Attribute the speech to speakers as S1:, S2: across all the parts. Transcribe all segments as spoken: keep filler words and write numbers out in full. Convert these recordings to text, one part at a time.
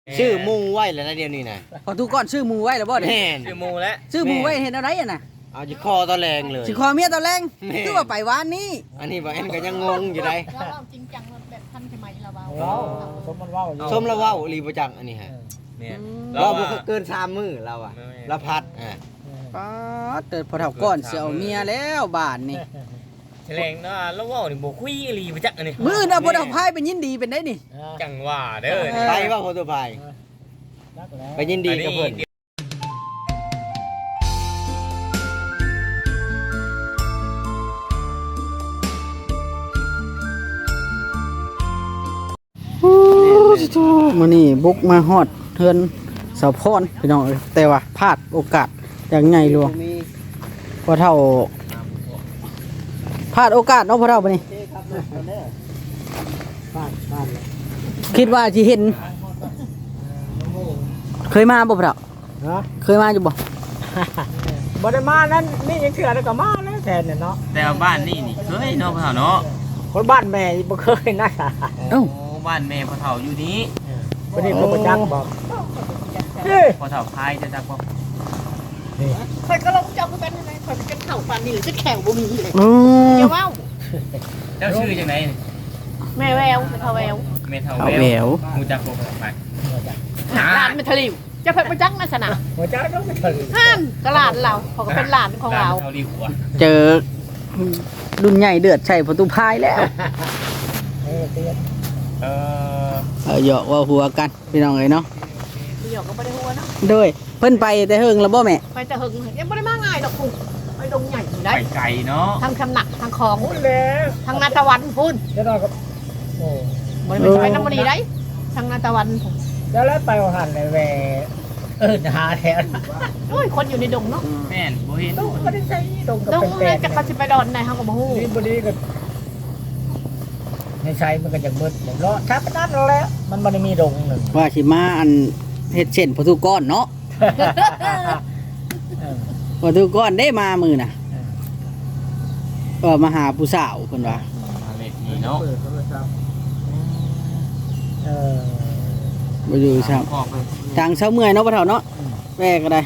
S1: ชื่อมูไว้แล้วนะเดี๋ยวนี้นะ
S2: พอทุกก้อนชื่อหมูไว้แล้วบ่เด้
S1: แม่น
S3: ชื่อหมูแล้ว
S2: ชื่อหมูไว้เห็นอะไรอ่ะน่ะ
S1: เอาจิคอตะแรงเลย
S2: สิคอเมียตะแรง
S1: แม่
S2: คือว่าไปวานนี้
S1: อันนี้บ่แอนก็ยังงงอยู่ได้
S4: ว่าเราจริงจังแบบทันสมัยเราเบา
S5: ว้าวสมมันว้าวอยู่
S1: สมแล้วเว้าอีหลีบ่จังอันนี้ฮะ
S3: เนี่ย
S1: เราบ่เคยเกินสามมื้อเราอ่ะเราพัดอ่ะ
S2: ป๊าดเติดพอเท่าก้อนสิเอาเมียแล้วบ้านนี่
S3: แถลงเนาะแล้วเว้านี่บ่คุยอีหลีไปจักอันนี้
S2: มื้อน่ะบ่ได้เอาพายเป็นยินดีเป็นได้นี่
S3: จังว่าเด้อ
S1: ไปว่าโฟโตไพายไปยินดีกับเพิ่น
S2: มื้อนี้บุกมาฮอดเฮือนสาวพรพี่น้องเอ้ยแต่ว่าพลาดโอกาสอย่างใหญ่หลวงพอเท่าพลาดโอกาสเนาะพอเท่าบัดนี้
S5: บ้านบ้านเลย
S2: คิดว่าสิเห็น เคยมาบ่พอเท่า
S5: ฮะ
S2: เคยมาอยู่บ่
S5: บ่ได้มานั้นนี่ยังเถื่อแล้วก็มาแล้วแทนเนี่ยเนาะ
S3: แต่ว่าบ้านนี่นี่เคยเนาะพ่อเฒ่าเนาะ
S5: คนบ้านแม่บ่เคยนะ
S2: เอ้า
S3: โอ้บ้านแม่พ่อเฒ่าอยู่นี้
S5: คนนี้คนประจักษ์บอกเฮ้ย
S3: พ่อเฒ่าพายจะจักบ่
S5: นี่
S4: คอยก็ลงเจ้าคือกันอะไรคอยเป็นเข่าฟันนี่หรือจะแข่งบ่มีเลย
S2: อืม
S4: เดี๋ยวว่า
S3: เจ้าชื่อจังได๋
S4: แม่แววเป็นเขาแวว
S3: แม่เฒ่า
S2: เอา
S3: แว
S2: แหว
S3: ว
S2: ว
S3: ฮู้จักบ่พ่อเฒ่าพาย
S4: หลานเป็นทะลิวจะเพิ่นประจักษ์มาสนะ
S5: หัวใจต้องไปถึง
S4: ห้านก็หลานเราเขาก็เป็นหลานของเรา
S3: เฒ่าดีหัว
S2: เจอรุ่นใหญ่เดือดใช่ประตูพายแล้ว
S5: เออเตี้ย
S3: เอ่อ
S2: เออเหยาะว่าหัวกันพี่น้องเอ้ยเนาะ
S4: พี่หยอกก็ไม่ได้หัวเนาะ
S2: โดยเพิ่นไปแต่เฮิงแล้วบ่แม่
S4: ไปแต่หึงยังไม่ได้มาง่ายดอกคุณไปดงใหญ่อยู่ได้
S3: ไปไกลเนาะ
S4: ทางคำหนักทางคลอง
S5: พูดแล้ว
S4: ทางนาตะวันพูน
S5: เดี๋ยวเราก็โอ้
S4: บริเวณไปน้ำมันดีได้ทางนาตะวันผม
S5: เดี๋ยวแล้วไปหันเลยแหวเออหาแถว
S4: โอ้ยคนอยู่ในดงเนาะ
S3: แม่นบ่เห็น
S5: ต้องก็ได้ใช้ดงกับ
S4: ดง
S5: เป็น
S4: นั่
S5: แป
S4: นจะปฏิบัติดอนในห้องกับหู
S5: นี่บดีก็ในใช้มันก็จะมืดเนาะถ้าไปนั่นแล้วมันมันมีดงหนึ่ง
S2: ว่าสิมาอันเฮ็ดเช่นประตูก้อนเนาะ
S5: เออ
S2: ประตูก้อนได้มามื้อน่ะ
S5: เออ
S2: เออมาหาผู้สาวเพิ่นว่า
S3: มาเล็กนี่เนาะ
S5: เปิดโทรศัพท์เออ
S2: บ่อยู่ซ้ํ
S3: พ่อเพิ่น
S2: ทางเช้าเมื่อยเนาะพ่อเฒ่าเนาะแม่ก็ได้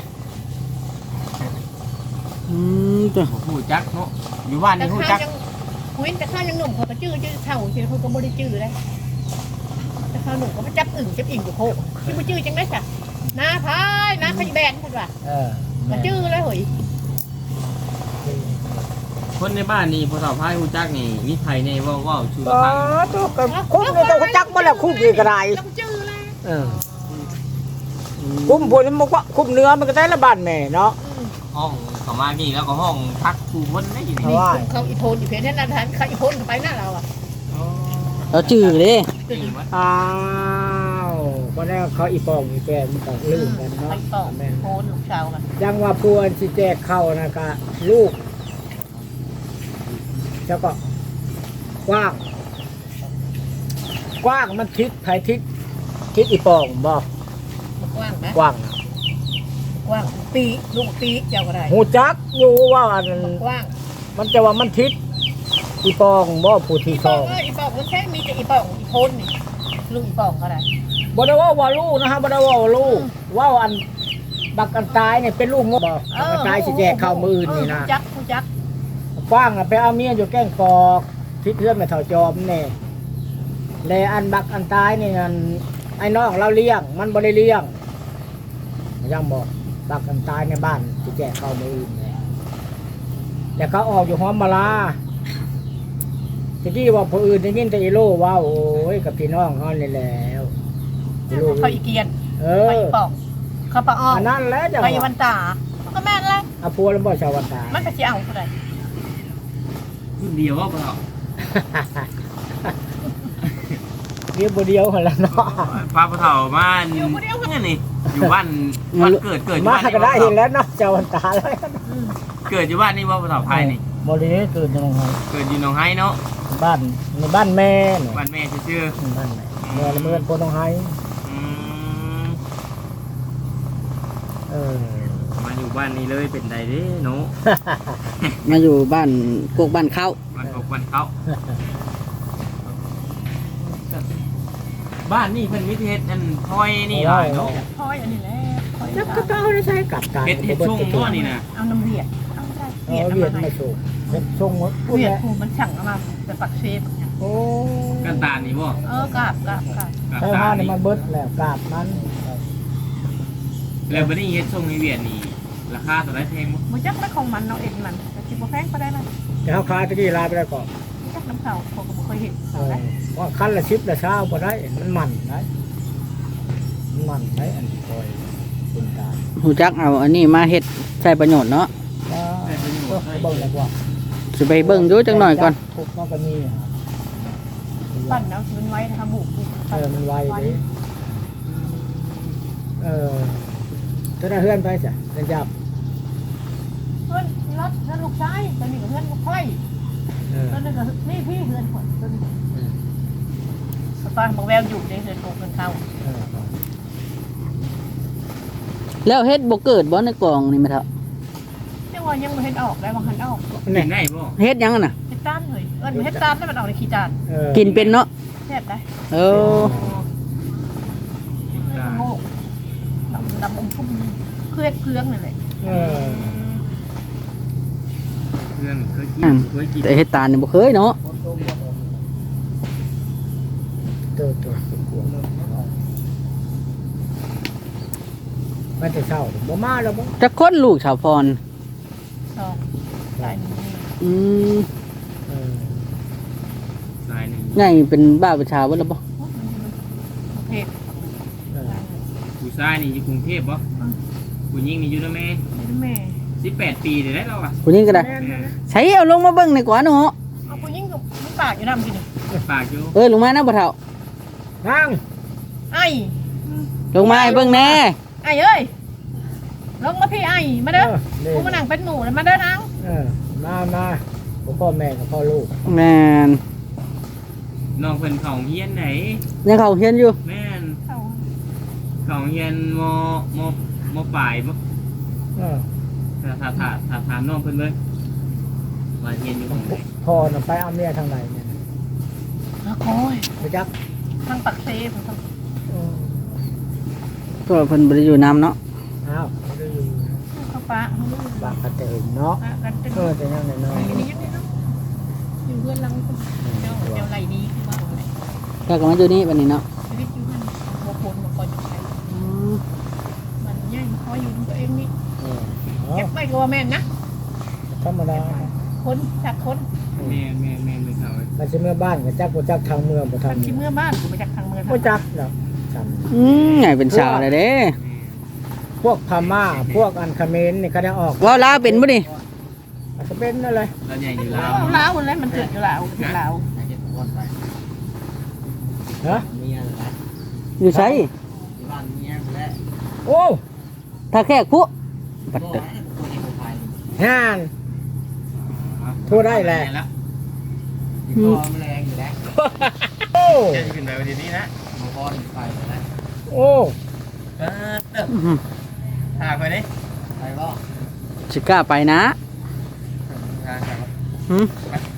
S2: อืมตัว
S3: ฮู้จักเนาะอยู่บ้าน
S4: แต่
S3: นี่ฮู้
S4: ข้า
S3: จัก
S4: ยังคุยแต่ข้ายังหนุ่มเขาก็จื้อจื้อเท่าเชื่อเขาก็ไม่ได้จื้อเลยแต่ข้าหนุ่มก็มาจับอึ่งจับอิ่งอยู่โคกที่มาจื้อจังได้จ้ะน้าพายน้าขยแบนเพิ่นว่า
S5: เออ
S4: มาจื้อเลยเฮ้ย
S3: คนในบ้านนี่พ่อเฒ่าพายฮู้จักนี่มีไผในเว้าเว้าชู
S5: อ๋อ
S3: ฟัง
S5: ตัวกับคุ้มเนี่ยตัวจักมาแล้วคุ้มกี่กระไร
S4: ต้องจื้อเลย
S5: เออคุ้มพวกนี้มันก็คุ้มเนื้อมันก็ได้ละบาทแม่เนาะ
S3: ห้องเขามานี่แล้วก็ห้องพักผู้คนได้อยู่
S5: เพ
S3: นี่
S5: ราะว่า
S4: เขาอีโพนอีเพนนั่นนะเขาอีโพนไปหน้าเราอ่ะ
S2: เราจื้อเด้
S3: นี่วะ
S5: อ้าวก็แล้วเขาอีปองอีแปรมันก็ลืมกันเนาะ
S4: ไปต่อ
S5: แม่
S4: โพนลูกสาวกัน
S5: ยังว่าพวนสิแจกเข้านะกะลูกแล้วก็กว้าง กว้างมันทิศไผทิศทิศอีปองบ่
S4: กว้างไหม
S5: กว้างนะ
S4: กว้างปีลูกปีเจ้าก็ได้
S5: หูจักอยู่ว่าอัน
S4: กว้าง
S5: มันจะว่ามันทิศอีปองบ่ผู้ที่
S4: อี
S5: ส
S4: ปอ
S5: อง ง
S4: เอออีปองมันแค่มีแต่อีปองอีโพนนี่ลูกอีปองก็ได้
S5: บ่ได้ว่าว่าลูกนะฮะบ่ได้ว่าว่าลูกว่าอันบักอันตายเนี่ยเป็นลูกงบบ่บักอันตายสิแจกเข้ามืออื่นนี่นะ
S4: ผู้จักผู้จัก
S5: กว้างอะไปเอาเมียอยู่แกล้งกอกทิศเพื่อนแม่เฒ่าจอมแน่แลอันบักอันตายนี่อันไอ้น้องเราเลี้ยง มันบ่ได้เลี้ยงยังบอกบักอันตายในบ้านสิแจกเข้ามืออื่นแน่แต่เขาออกอยู่หอมมาลาทีนี้ว่าผู้อื่นได้ยินแต่อีโลว่าโอ้ยกับพี่น้องเขานี่แล้วอีโล
S4: เขาอีเกียน
S5: เอ
S4: เขา
S5: อ
S4: อีปองเขาปะอ้อ
S5: อันนั้นแหล้วจะ
S4: ไปวันตาก็แม่นเลย
S5: อาพัวแล้วบ่ชาววันตา
S4: มันก็สิเอาเท่าไหร่
S3: รุ่นเดียวว่าพ่อเฒ่า
S5: เรียบบ่เดียวหั่นล่ะเนาะ
S3: พาพ่อเฒ่ามาอยู่คนเดียวเนี่ยนี่อยู่บ้านบ้านเกิดเกิดอยู่
S5: มา
S3: บ้าน
S5: ก็ได้เห็นแล้วเนาะชาววันตาแล้ว
S3: เกิดอยู่บ้านนี่ว่าพ่อเฒ่าพายนี่
S5: บ่ได้เกิดจังไง
S3: เกิดอยู่หนองไห้เนาะ
S5: บ้านในบ้านแม่เนาะ
S3: บ้านแม่ชื่อ
S5: บ้านแม่แม่ละเมือนโพนองไห้
S3: ๆอืม
S5: เออ
S3: มาอยู่บ้านนี้เลยเป็นไดเด้เนาะ
S2: มาอยู่บ้านกกบ้านเข้า
S3: บ้านพวกบ้านเขาบ้านนี่เพิ่นมิเทศอันคอยนี่หลายเนาะ
S4: พอยอันนี้แหละพอย
S5: แล้วก็เอาได้ใช้กับการ
S3: เฮ็ดเฮ็ดชุ่งบ่นี่นะ
S4: เอาน้ำเวียดเอาได้
S5: เอ
S4: เวีย
S5: อ
S4: ดเอา
S5: เวียด
S4: มาให้
S5: ไม่ส่งเฮ็ดส่งหมดพูด
S4: เวียด
S5: แล้ว
S4: ผูมันสั่งเอามาแต่ปักเซฟ
S5: โอ้
S3: กันตาลนี่บ่
S4: เออกราบกราบกราบ
S3: กับ
S5: ใช้
S3: ตา
S5: ผ้า
S3: ล
S5: นี่
S3: นี่
S5: มันเบิดแล้วกาบมัน
S3: แล้วบัดนี้เฮ็ดส่งในเวียดนี่ราคาเท่าไหร่แพงบ่
S4: มันจักไม่ของมันเนาะเอ็นมันแต่คิดว่าแพงก็ได้นะ
S5: แต่เขาขายตะกี้ลายไปแล้วก่อน
S4: จักน้ำเข่าผมก็บ่เคยเห็น
S5: เอ
S4: เขา
S5: อ
S4: ได้
S5: ว่าคันละสิบละเช้าบ่ได้มันมันได้มันมันได้อันนี้คอยเป็นการ
S2: หูจักเอาอันนี้มาเฮ็ดใช้ประโยชน์เนาะ
S5: ว่าก็เบิ่งแล้วว่า
S2: สิไปเบิ่งอยู่จังหน่อยก่อน
S5: ทุกมันก็มีอะ
S4: ปั่นแล้วมันไว้ทำบุก
S5: เออมันไวดิเออถ้าได้เฮือนไปจ้ะเดินจับ
S4: เพื่อนรถเพื่อนลูกชายตอนนี้กับเพื่อนลูกไฟ
S5: เออ
S4: ตอนนี้กับนี่พี่เพื่อนคนตอนนี้ตอนบอกแววอยู่ในเพื่อนลูกเพื่อนเขา
S5: เออ
S2: แล้วเฮ็ดบ่เกิดบ่ในกล่องนี่แม่เฒ่า
S4: เจ้าว่ายังไม่เห็นออกได้บางคันออก
S3: กิ
S5: นี่
S3: นได้บ่
S2: เฮ็ดหยังอะน่ะ
S4: เห็ดต้านเลยเออเห็ดต้านแล้วมันออกในขี้จาน
S5: เออ
S2: กินเป็นเนาะ
S4: แซ่บได้
S2: เออ
S4: ไม่ต้องโง่ดำดำอมชุ่มเคลือบเครื่องเลย
S5: เออ
S3: เพื่อนเคยกิน
S2: อืม
S3: เคยกิน
S2: แต่เฮ็ดตาลนี่บ่เคยเนาะ
S5: ตัวตัวกลัวมันจะเศร้าบ่มาแล้วบ่
S2: จักคนลูกชาวพร
S4: สองสายนี้
S2: อืม
S5: เออ
S3: สายหนึง
S2: ใหญ่เป็นบ้าประชาบ่ล่ะบ่
S4: เผ็ด
S5: เออ
S3: ผู้ชายนี่อยู่กรุงเทพบ่ผู้หญิงนี่อยู่นำแม่
S4: แม่
S3: สิบแปดปีได้แล้วอ่ะ
S2: ผู้หญิงก็ได้
S4: แม่
S3: แม่
S2: ใช้เอาลงมาเบิ่งหน่อยกว่าเนาะ
S4: เอาผู้หญิงกับผู้ปากอยู่ดำกิน
S3: ปากอยู่
S2: เออลงมานะบ่เฒ่า
S5: นั่ง
S4: ไอ้
S2: ลงมาให้เบิ่งแน่
S4: ไอ้เอ้ยลงมาพี่ไอ้มาเด้อ
S5: เด้
S4: กูมานั่งเป็นหมูแล้วมาเด้อนัง
S5: เออมามาพ่อแม่กับพ่อลูก
S2: แม่น
S3: น้องเพิ่นเข้าโรงเรียนไหน
S2: ยังเข้าเรียนอยู่
S3: แม่น
S4: เขา
S3: เข้าโรงเรียนมมมปลายบ่
S5: เออ
S3: ถ้าถ้าถ้าถ้าถามน้องเพิ่นเบิ่งว่าเรียนอยู่ตรงไหน
S5: พ่อน่ะไปเอาเมียทางไหนเนี่ย
S4: แล้วโอ้ย
S5: ไปจัก
S4: ทางปักเซฟทาง
S5: เออ
S2: ก็เพิ่นบ่ได้อยู่นํเนาะ
S5: อ้าวไม่ได้อยู่
S4: ข้าวปลา
S5: บางกระเตงเนาะ
S4: กันเป็น
S5: เออแต่ยังน้อย
S4: อยู่นี่ยังไงเนาะอยู่เพื่อนลังเจ้าเจ้าไหลนี้คือว่าอะไร
S2: แล้วก็มาอยู่นี่บัดนี้เนาะ
S4: ชีวิตอยู่เพื่อนโมโคนมาคอยอยู่ใช้
S2: อืม
S4: มันย่ายคอยอยู่ตัวเองนี่
S5: ๆเออเนาะ
S4: เก็บไปก็ว่าแม่นนะ
S5: ธรรมดา
S4: คนจากคน
S3: แม่แม่แม่ไม่เข้า
S5: มันจะเมื่อบ้านกับจักบ่จักทางเมืองบ่
S4: ทา
S5: ทาง ง
S4: ที่เมื่อบ้านกูมาจากทางเมือง
S5: บ่จักเนาะจ
S2: อืมใหญ่เป็นสาวเลยเด้
S5: ำพวกพม่าพวกอันเขมรนี่ก็ได้ออก
S2: เว้าลาวเป็นบ่นี่
S5: อาจจะเป็นนั่นเลย
S3: แล้วใหญ่อยู่ลาว
S4: ลาวคนแรกมันเกิดอยู่ลาวอยู่ลาว
S5: เนาะ
S2: อยู่ไส
S5: โอ้
S2: ถ้าแค่คุบัดเด้อ
S5: งานทั่วได้แหละ
S3: แล้ว
S2: อืม
S5: โอ้
S3: จะขึ้นไปวันนี้นะ
S5: โอ้
S3: เออเด้อ
S2: อื้อหือ
S3: ถากไปดิ
S2: สิกล้าไปนะ
S3: ถากครับ
S2: หืม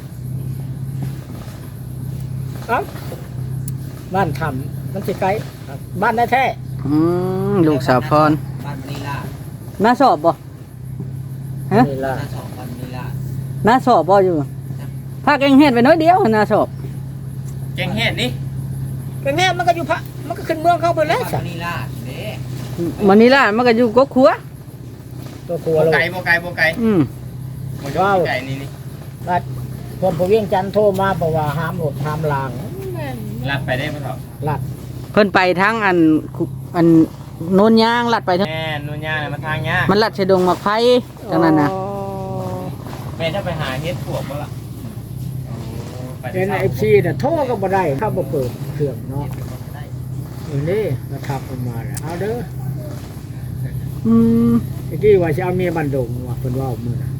S5: เอ้าบ้านทำมันสิไกลบ้านแท้
S2: อืมลูกสาวพร
S1: บ้านมณีลา
S2: น้าสอบบ่
S5: ๆ
S2: ฮะ
S5: นี่ล่ะ
S1: หน้าสองบ้านมณีลา
S2: น้าสอบบ่อยู่ภาคเองเฮ็ดไปน้อยเดียวน้าสอบ
S3: แกงเห็ดนี่
S5: เป็นแม่มันก็อยู่พระมันก็ขึ้นเมืองเข้าไปแล้ว
S1: บ้าน
S5: จ้ะ
S1: มณีลาเด้
S2: มันนี่ล่ะมันก็อยู่กกขัว
S5: ตัวครัว
S3: โบ
S5: เรา
S3: ไก่โบไก่โบไก่
S2: อืม
S3: โบไก่นี่นี่
S5: บัดคนผู้เวียงจันทน์โทรมาบอกว่าห้ามรถห้ามลาง
S3: ลัดไปได้ไหมครับ
S5: ลัด
S2: เพิ่นไปทางอันคุอันโนนยางลัดไปทาง
S3: แม่นุ่นยาเนี่ยมาทางยา
S2: มันลัดชะดงมักไผจังนั้นน่ะ
S3: แม่ถ้าไปหาเฮ็ดพวกบ่ล่ะไป
S5: เอ็น
S3: ที่
S5: เอฟซีเนี่ยโทรก็บ่ได้ถ้าบ่เปิดเครื่องเนาะอยู่นี่มาทักออกมาแล้วเอาเด้อ
S2: อืม
S5: เมื่อกี้ว่าจะเอาเมียบันดงว่าเพิ่นว่ามื้อน่ะ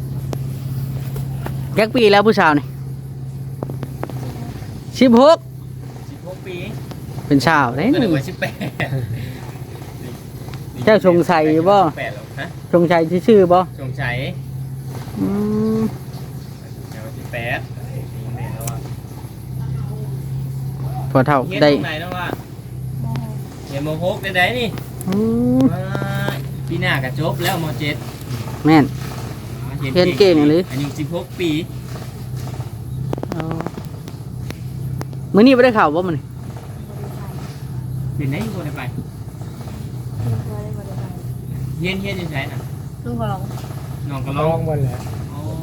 S2: จักปีแล้วผู้สาวนี่สิบหก
S3: สิบหกปี
S2: เป็นสาวเด้
S3: ก็นึ
S2: นี่
S3: กว่าสิบแปด
S2: เจ้าสงสัยบ่
S3: สิบแปดหรอกฮะ
S2: สงสัยชื่อบ่
S3: สงสัย
S2: อืม
S3: เดี๋ยวสิบแปดนี่แม่แล้วว่า
S2: พอเท่า
S3: เฮ็ด
S2: ได้
S3: ตรงไหนแล้วว่าเรียนมหกได้ได้นี่
S2: อืม
S3: ว้ายปีหน้าก็จบแล้วมเจ็ด
S2: แม่น เรียนเก่งเลย
S3: อายุสิบหกปี
S2: เอามื้อนี้บ่ได้ข่าวบ่มื้อนี้
S3: เป็นไหนบ่ได้ไปเฮียนเฮียนอยู่ไสน่ะ
S4: ลุงก็ลอง
S3: น้องก็
S5: ล
S3: ล
S5: อ
S3: อง ง
S5: หมดแหละ
S3: อ๋อ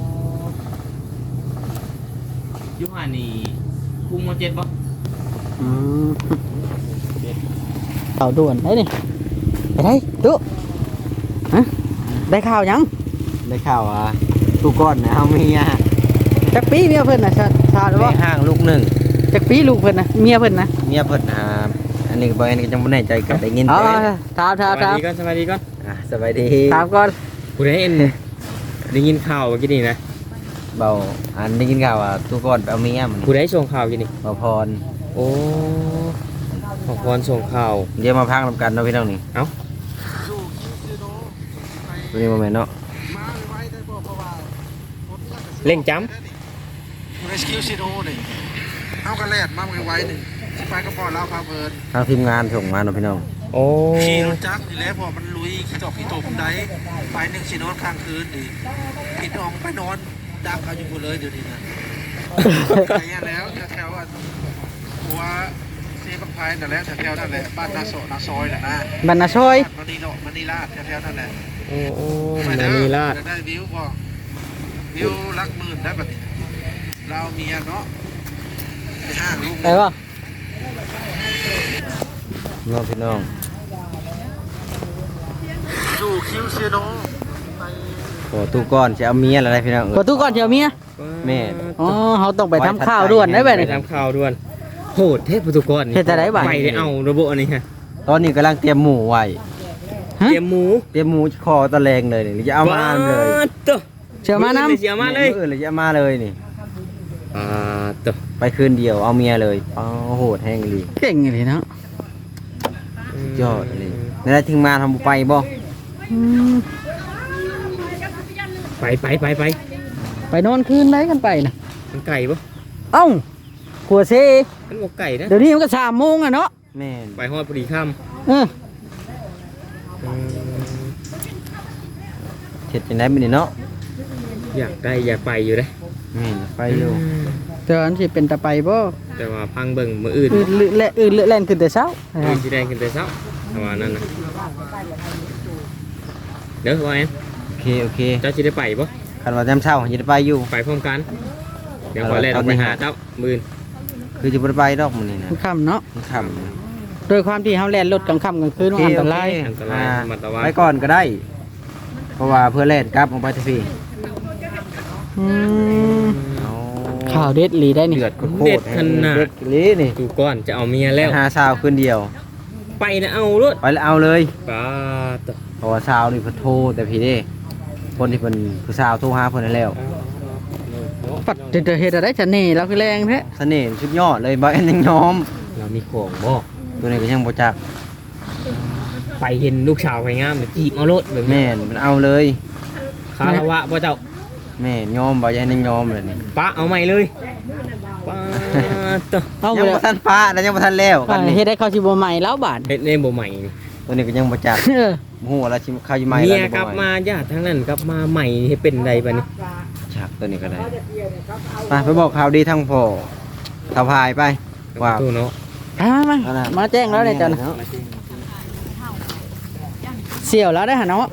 S3: อยุหันนี่คุมมเจ็ดบ่
S2: อืมข่าวด่วนได้นี่ไปได้ตุ๊ฮะได้ข่าวยัง
S1: ได้ข่าวว่าทุกก้อนนะเฮามีอ่ะ
S2: จักปีเมียเพิ่นน่ะชาชาหรือ
S1: ใน
S2: บ่
S1: ห้างลูกหนึ่ง
S2: จักปีลูกเพิ่นน่ะเมียเพิ่นน่ะ
S1: เมียเพิ่นหาอันนี้บ่อันนี้ก็จังบ่แน่ใจก็ได้ยิน
S2: อ๋อ
S1: แต่
S2: ถามถาม
S3: ส
S2: ถา
S3: วัส
S2: ม
S3: ดีก่อนสวัสดีก่อน
S1: อ่ะสบายดี
S2: ถามก่อน
S3: ผู้ใดเอ็นได้ยินข่าวเมื่อกี้นี่นะ
S1: เบาอันได้ยินข่าวว่าทุกก้อนไปเอาเมียมัน
S3: ผู้ใดส่งข่าวเมื่อกี้นี่
S1: บ่พร
S3: โอ้ขอพรส่งข่าว
S1: เดี๋ยวมาพังนำกันเนาะพี่น้องนี่
S3: เอ้า
S1: ตัวนี้บ่แม่นเนาะ
S3: เล่งจ
S6: เรสคิวซีโร่นี่เอากระแลดมาไว้หนึ่งไปกระป๋อลาวพาเพลิน
S1: ทางทีมงานส่งมาเนาะพี่น้อง
S3: ำโอ้
S6: ขี่รถจักรนี่แหละพอมันลุยขี่ตอกขี่ตกได้ไปหนึ่งสีนอนข้างคืนดิปิดอองไปนอนดักเขาอยู่หมดเลยเดี๋ยวนี้นะไปอย่างแล้วแถวๆว่าหัวเซบักไพนั่นแหละแถวๆนั่นแหละบ้านนาโซนาซอยน่ะนะ
S2: บรรณาชอย
S6: มันนี่เนาะมันนี่ลาดแถวๆนั่นแหละ
S3: โอ้โอ้
S6: ไป
S3: มัน
S6: เด้อ
S3: มีลาด
S6: จะได้วิวบ่วิวลักหมื่นได้แบบเราเมียเนาะไปห้างลูก
S2: ไปบ่
S1: เนาะพี่น้อง
S6: สู่คิวซีโร่
S1: โอ้ทุกก้อนสิเอาเมียแล้วได้พี่น้อง
S2: ประตูก่อนสิเอาเมีย
S1: แม่
S2: อ๋อเฮาต้องไปทำข้าวด่วนได้บัด
S3: ไป
S2: นี้
S3: ทำข่าวด่วนโหดเทพประตูกรนี่
S2: เฮ็ดแต่ไหนบัด
S3: ไปได้เอาระบบอันนี้ฮะ
S1: ตอนนี้กำลังเตรียมหมูไว้
S2: ฮะ
S3: เตรียมหมู
S1: เตรียมหมูคอตะแลงเลยนี่จะเอามาเลย
S3: ว้ตัว
S2: เชื่อมานํ
S3: เสียมาเลย
S1: ออเลยจะเอามาเลยนี่
S3: อ่าตัว
S1: ไปคืนเดียวเอาเมียเลยอ๋อโหดแห้งเลย
S2: เก่งเลยเนาะ
S1: ยอดเลยนั่นแหละถึงมาทำไปบ่
S2: อืม
S3: ไปไปไปไป
S2: ไปนอนคืนได้กันไปน่ะ
S3: มันไก่ปะ
S2: เอ้าขัวเซ
S3: มันบอกไก่นะ
S2: เดี๋ยวนี้มันก็สามโมงอ่ะเนาะ
S1: แม่น
S3: ไปฮอดพอดีค่
S2: เออ
S3: ำอืม
S1: เห็ดเป็นไงเป็นเนาะ
S3: อยากได้อยากไปอยู่เลย
S1: แม่นไปอยู่
S2: แต่ว่าอันสิเป็นตะไปบ่
S3: แต่ว่าพังเบิ่งมืออื่น
S2: อื่นเละอื่นเละแล่นขึ้นแต่เช้า
S3: อื่นสีแดงขึ้นแต่เช้าประมาณนั้นนะเดี๋ยวว่าแอน
S1: โอเคโอเค
S3: เจ้าจะได้ไปปะ
S1: คันว่าจำเช้าจะไปอยู่
S3: ไปพร้อมกัน เดี๋ยวขอแล่นออกไปหาเจ้ามือน
S1: คือจะบ่ไปดอกมันนี่นะ
S2: มันค่ำเนาะ
S1: มันค่
S2: โดยความที่เฮาแล่นรถกลางค่ำกลางคืน
S1: ำ
S2: มันอันตราย
S3: อันตรายมาตะวัน
S1: ไปก่อนก็ได้ เพราะว่าเพื่อเล่นกลับออกไปทีพี่
S2: อืม
S1: เอา
S2: ข่าวเด็ดหลีได้นี่
S1: เดือดโคตร
S3: เด็ดขนาด
S1: เด็ดลีนี่
S3: ดูก้อนจะเอาเมียแล้ว
S1: หาสาวคืนเดียว
S3: ไปนะเอารถ
S1: ไปแล้วเอาเลย
S3: ป้าตะ
S1: เพราะว่าสาวนี่เพิ่นโทรแต่พี่เด้คนที่เพิ่นผู้สาวโทรหาเพิ่นนั่นแล้ว
S2: ปัดจะเฮ็ดอะไรจะนี่เราคือแรงแท้
S1: เสน่ห์สุดยอดเลยบ่แอนยังยอม
S3: เรามีของบ่
S1: ตัวนี้ก็ยังบ่จัก
S3: ไปเห็นลูกสาวไปงามเดี๋ยวจีบเอารถแบบนี้
S1: แม่นมันเอาเลย
S3: คารวะพ่อเจ้า
S1: แม่นยอมบ่แอนยังยอมเลยนี่
S3: ป้าเอาใหม่เลยป้าตะ
S2: เอา
S1: ยัง
S2: ไป
S1: บ่ทันฟ้าแล้วยังบ่ทันแล้วกันนี่
S2: เฮ็ดได้เข้าสิบ่ใหม่แล้วบาด
S3: เฮ็ดในบ่ใหม่นี่
S1: ตัวนี้ก็ยังบ่จัก
S2: เออ
S1: บ่ฮู้ว่าแล้วสิเข้าอยู่ใหม่
S3: เมี
S1: แล้ว
S3: ย
S1: หรือบ่
S3: กลับ
S1: ให
S3: มาญาติทั้งนั้นกลับมาใหม่ให้เป็นใดบัดนี้
S1: จักตัวนี้ก็ได้มาไปบอกข่าวดีทั้งพ่อสะพายไปว่า
S3: ตู้เนาะ
S2: มามามามาแจ้งแล้วเนี่ยจ้ะนะเสี่ยวแล้วได้หาเนาะ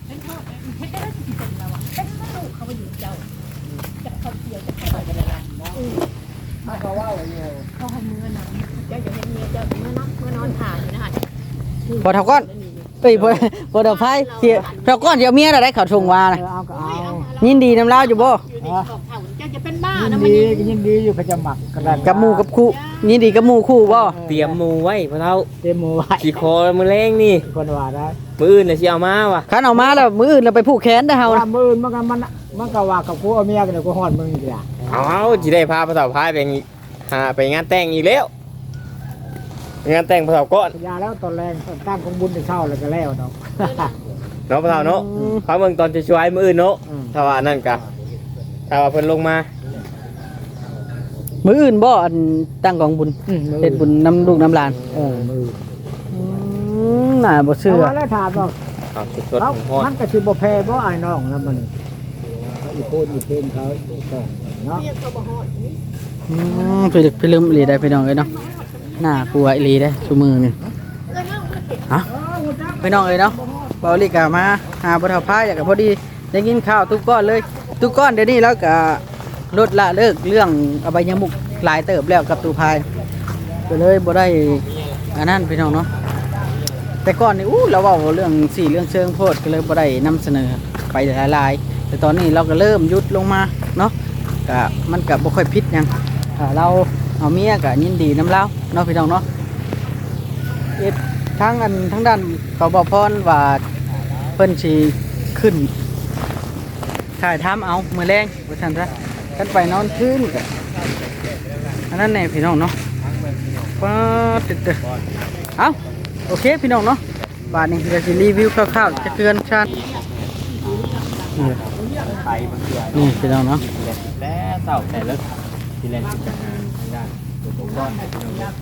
S4: เขาให้มือนะเจ้าจะเห็นเมียเจ้าเมื่อนักเมื่อนอนถ่ายอยู่นะคะ
S2: พอเท่าก้อนเอ้ยพอพอเท่าไฟเสี่ยวเท่าก้อนเดี๋ยวเมียเราได้เขาชงวาน่ะ
S5: เอาก็เอา
S2: ยินดีนำลาวอยู่บ่
S4: อยู่ดีบอกเท่าเจ้าจะเป็นบ้า
S5: ยิน
S4: นะมัน
S5: ดี
S4: ยัง
S5: ยินดีอยู่เขาจะหมักกระดาน
S2: กับหมู่กับคู่ยินดีกับหมู่คู่บ่
S3: เตรียมหมูไว้พ่อเฒ่า
S5: เต็มมือไว้
S3: สิคอมื้อแรงนี่
S5: คนว่าได้
S3: มื้ออื่นน่ะสิเอามาว่ะ
S2: คันเอามาแล้วมื้ออื่นเราไปผูกแขนได้เฮา
S5: ว่า
S2: นะ
S5: มืออื่นมันก็มันมันก็ว่ากับกูเอาเมียกันเดี๋ยวกูหอนมึงอีกอ่ะ
S3: เอาเอาสิได้พาพ่อเฒ่าพายไปหาไปงานแต่งอีกแล้วงานแต่งพ่อเฒ่าก่อน
S5: ยาแล้วตอนแรงตอนตั้งของบุญจะเช่าแล้วก็แล้วเนาะ
S3: เนาะพ่อเฒ่าเนาะพาเบิ่งตอนจะช่วยมื้ออื่นเนาะ
S5: อืม
S3: ถ้าว่านั่นก็ถ้าว่าเพิ่นลงมา
S2: มื้ออื่นบ่อันตั้งกองบุญ
S5: อืมมือ
S2: เฮ็ดบุญนำลูกนำหลาน
S5: เออมือ
S2: อืมมน่าบ่
S5: เชื่
S2: เชื่
S5: อ
S2: อ
S5: แล้วถามว่า
S3: ข้าวสด
S5: แล้ว
S3: ๆทอด
S5: มันก็สิบ่แพ้บ่ไอ้น้องแล้วมันเขาอีโคนอีเพนเขาอีกองเนาะ
S4: เมียเขาบ่ฮอดนี่
S2: อืมไปลึกไปลืมอีหลีได้พี่น้องเอ้ยเนาะน่ากลัวอีหลีได้ซุมือนี่
S4: เอ้ยเฮาบ่เก็บ
S2: ฮะพี่น้องเอ้ยเนาะเบาลีกามาหาบ่เฒ่าพาอยากก็พอดีได้กินข้าวทุกก้อนเลยทุกก้อนเดี๋ยวนี้แล้วก็ลดละเลิกเรื่องอบายมุกหลายเติบแล้วกับตูพายก็เลยบ่ได้อันนั้นพี่น้องเนาะแต่ก่อนนี่อู้เราเว้าเรื่องสี่เรื่องเชิงโพดก็เลยบ่ได้นำเสนอไปหลายๆแต่ตอนนี้เราก็เริ่มหยุดลงมาเนาะก็มันก็บ่ค่อยพิษหยังถ้าเราเอาเมียก็ยินดีนำเราเนาะพี่น้องเนาะเอ็ดทั้งอันทั้งด้านเขาบอกพรว่าเพิ่นสิขึ้นถ่ายทำเอามื้อแรงว่าซั่นซะกันไปนอนคืนก็อันนั้นแน่พี่น้องเนาะป๊าดตึ๊ดๆเอ้าโอเคพี่น้องเนาะบาดนี้ก็สิรีวิวคร่าวๆจะเตือนชาตินี่
S3: ไปบางเทื่อ
S2: นี่พี่น้องเนาะ
S3: แล้วเต่าแต่ละที่เล่นกิจการทางด้านตัวก้อนเนาะ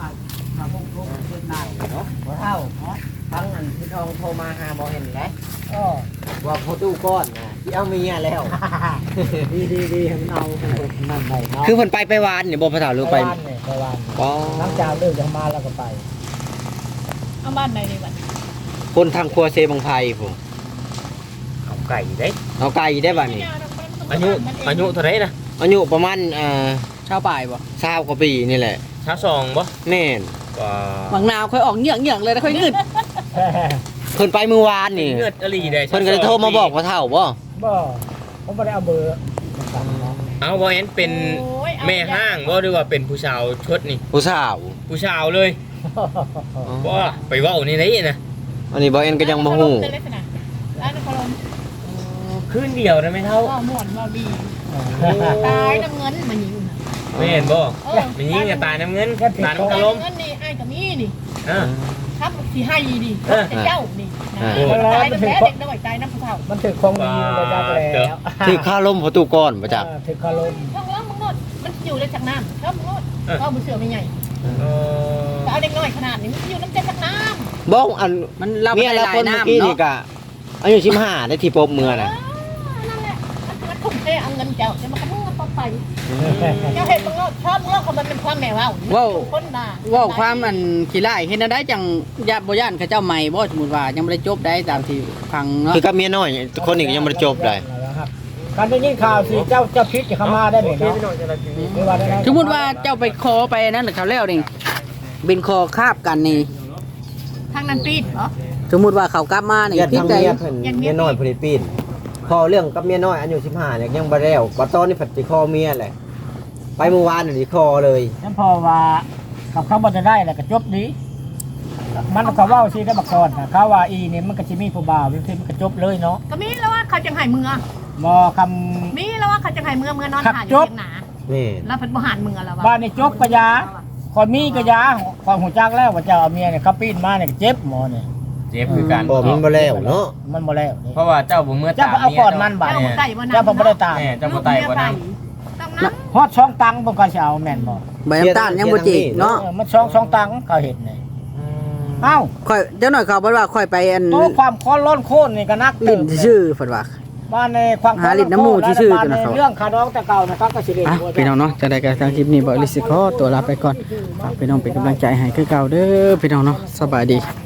S1: บ่เท่าทั้งอันที่ทองโทรมาหาบ่เห็นแล้ว
S5: ก็
S1: ว่าพอตู้ก้อนน่ะที่เอาเมียแล้ว
S5: ดีดีดีให้มันเอานั่นไปเนาะ
S1: คือเพิ่นไปไปวานนี่บ่พระเฒ่าหรือไป
S5: บ้านเนี่ยไปบ้าน
S1: อ๋อ
S5: หลังจากเลิกจากมาแล้วก็ไป
S4: เอาบ้านใดนี่บัด
S1: คนทางครัวเซบังไพผม
S3: เอาไก่เด้
S1: เอาไก่ได้บัดนี้
S3: อายุอายุเท่าไหร่นะ
S1: อายุประมาณเอ่อ
S2: ชาวป่ายบ่
S1: 20กว่าปีนี่แหละ
S3: ช้าสองบ่
S1: แม่น
S3: ว่า
S2: หวังนาวค่อยออกเหยื่องๆเลยนะค่อยงึด
S1: เพิ่นไปเมื่อวานนี่
S3: เลือดอลีได้
S1: เพิ่นก็เลยโทรมาบอกว่าเฒ่าบ่
S5: บ่ผมไม่ได้เอาเบอร์มาสั่งเนาะ
S3: เอาบ่เห็นเป็นแม่ห้างบ่หรือว่าเป็นผู้สาวชดนี่
S1: ผู้สาว
S3: ผู้สาวเลยบ่ไปเว้านี่ไหนนะ
S1: อันนี้บ่เอ็นก็ยังบ่ฮู้
S4: ร้านนครลม
S3: คืนเดียวได้ไหมเท่า
S4: ว่าม่วนว่าดีตายน้ำเงินมายิงน่ะ
S3: ไม่เห็นบ่
S4: เออ
S3: มันยิงกันตายน้ำเงินตายน้ำ
S4: ตาย
S3: กระลม
S4: น้ำเงินนี่ไอ้กับมีนี่
S3: อ่า
S4: ครับสิให้ดิ
S3: เออ
S4: แต่เจ้านี่นะตายน้ำแพ้เด็กน้อยตายน้ำผู้เฒ่า
S5: มันถือคงดีอยู่ระดับแล้ว
S1: ที่ข้าล้มพอตู้ก้อนบ่จัก
S5: เออถือคารม
S4: ช่องล้างมึงโนดมันอยู่ในจากน้ำช่องมึงโนดเข้าบุเสือไม่ใหญ่
S3: เออ
S4: แต่เอาเด็กน้อยขนาดนี้มันอยู่น้ำเจ็ดจากน้ำ
S1: บ่อัน
S2: มันเรา
S1: เมีย
S2: ได้
S1: แล้ว
S2: หลา
S1: ค
S2: ย
S1: นเมื่อ
S2: น้ำ
S1: กี้
S2: เนาะ
S1: นี่ก็อายุสิบห้าได้ที่พบเมื่อน่ะ
S4: นั่นแหละมันทุ่มเทเอาเงินเจ้าจะมาขโมยต่อไปเจ้าเห็นมึงโนดชอบมึงโนดเขามันเป็นความแม่ว่าวคนด่า
S2: เว่าความมันขี้ไล่เห็นได้จังญาติบ่ย่านเขาเจ้าใหม่บ่สมมุติว่ายังบ่ได้จบได้ตามที่ฟังเนาะ
S1: คือกับเมียน้อยคนนี้ก็ยังบ่ได้จบเลย
S5: การได้ยินข่าวสิเจ้าเจ้าพิษจะเข้ามาได้ไหมเนาะไม่ว่าได้
S2: สมมุติว่าเจ้าไปคอไปนั่นหรือเขาแล้วนี่เป็นคอคาบกันนี่
S4: ทางนั้นปีดเหรอ
S2: สมมุติว่าเขากลับมานี่
S1: ญาติ
S2: พิษ
S1: ทาง
S2: ใด
S1: เมียเพิ่นเมียน้อยฟิลิปปินส์พอเรื่องกับเมียน้อยอายุสิบห้าเนี่ยยังบ่แล้วบัดตอนนี้ผัดสิคอเมียแหละไปเมื่อวานนี่สิคอเลย
S5: ฉันพอว่ากับเขาบ่จะได้แหละก็จบดีมันก็เว้าสิได้มาก่อนนะเขาว่าอีนี่มันก็สิมีผู้บ่าวที่มันก็จบเลยเนาะ
S4: ก็มีแล้วว่าเขาจังไห้เมือ
S5: บ่ค
S4: มีแล้วว่าเขาจังไห้เมือเมือนอนถ่ายอ
S5: จ
S4: ยู่
S5: บ
S4: เพียงหนา
S1: นี่
S4: แล้วเพิ่นบ่หันเมือแล้ว
S5: ำบ้านนี่จบก็ยาคนมีก็ยาคนหูจักแล้วว่าเจ้าเอาเมียเนี่ยเขาปีนมาเนี่ยก็เจ็บหมอเนี่ย
S3: เจ็บคือกัน
S1: บ่มันบ่แล้วเนาะ
S5: มันบ่แล้วนี่
S3: เพราะว่าเจ้าบ่เมื่อ
S5: เจ้าก็เอาก่อนมันบาด
S4: เจ้า
S5: เนี่ย
S4: บ่ไต่บ่นำ
S5: เจ้าผมบ่ได้ตาม
S3: แม่เจ้าบ่ไต่บ่นำ
S4: ต้องน้
S5: ฮอดช่องตังบ่ก็สิเอาแม่นบ่
S2: ใบน้ำตาลยังบ่จิกเนาะ
S5: เออมันช่องช่องตังเขาเห็นนี่เอ้า
S2: ค่อยเจ้าหน่อยเขาบอกว่าค่อยไปอัน
S5: โตความค้อนร้อนโค่นนี่ก็นักเติ
S2: ลิ้น
S5: บ
S2: ชื่อเพิ่นว่า
S5: บ้านในความ
S2: หาลิ้นน้ำมูกที่ชื่อกันนะ
S5: บ้า
S2: เขา
S5: เรื่องคาดองแต่เก่านะครับก็สิเล่น
S2: อ่ะ
S5: บ่
S2: พี่น้องเนาะจะได้กันทางคลิปนี้บ่ลิสิขอตัวลาไปก่อนฝากพี่น้องเป็นกำลังใจให้คือเก่าเด้อพี่น้องเนาะสบายดี